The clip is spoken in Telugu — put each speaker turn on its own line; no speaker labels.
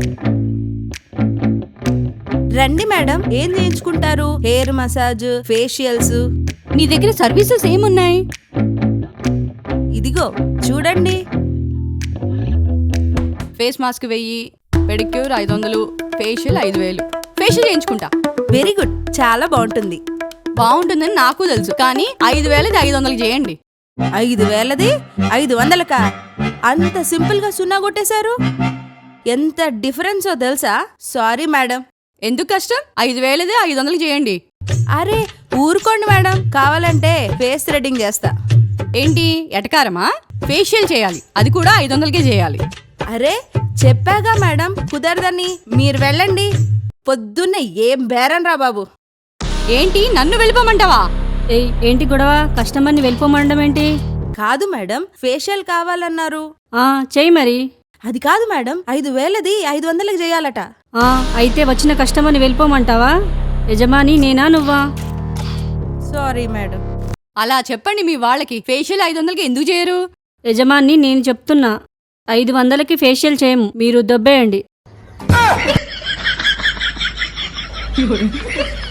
రండి మేడం, ఏం చేయించుకుంటారు? Hair massage, facials.
నీ దగ్గర సర్వీసెస్ ఏమున్నాయి?
ఇదిగో చూడండి.
Face mask 1000, pedicure 500, facial 5000. Facial చేయించుకుంటా.
వెరీ గుడ్, చాలా బాగుంటుంది.
బాగుంటుందని నాకు తెలుసు, కానీ 5000ది 500 చేయండి.
5000ది 500కా? అంత సింపుల్ గా సున్నా కొట్టేశారు. ఎంత డిఫరెన్సో తెలుసా? Sorry madam.
ఎందుకు కష్టం? 5000ది 500 చేయండి.
అరే ఊరుకోండి మేడం, కావాలంటే ఫేస్ థ్రెడ్డింగ్ చేస్తా.
ఏంటి ఎటకారమా? ఫేషియల్ చేయాలి, అది కూడా 500కే చేయాలి.
అరే చెప్పాగా మేడం, కుదరదని. మీరు వెళ్ళండి. పొద్దున్నే ఏం బేరం రా బాబు.
ఏంటి నన్ను వెళ్ళిపోమంటావా?
ఏయ్ ఏంటి గొడవ? కస్టమర్ని వెళ్ళిపోమనడం ఏంటి?
కాదు మేడం, ఫేషియల్ కావాలన్నారు.
చెయ్యి మరి.
అది కాదు మేడం, 5000ది 500కి చేయాలట.
అయితే వచ్చిన కస్టమర్ని వెళ్ళిపోమంటావా? యజమాని నేనా నువ్వా?
Sorry madam.
అలా చెప్పండి మీ వాళ్ళకి. ఫేషియల్ 500కి ఎందుకు చేయరు?
యజమాని నేను చెప్తున్నా, 500కి ఫేషియల్ చేయము, మీరు దొబ్బేయండి.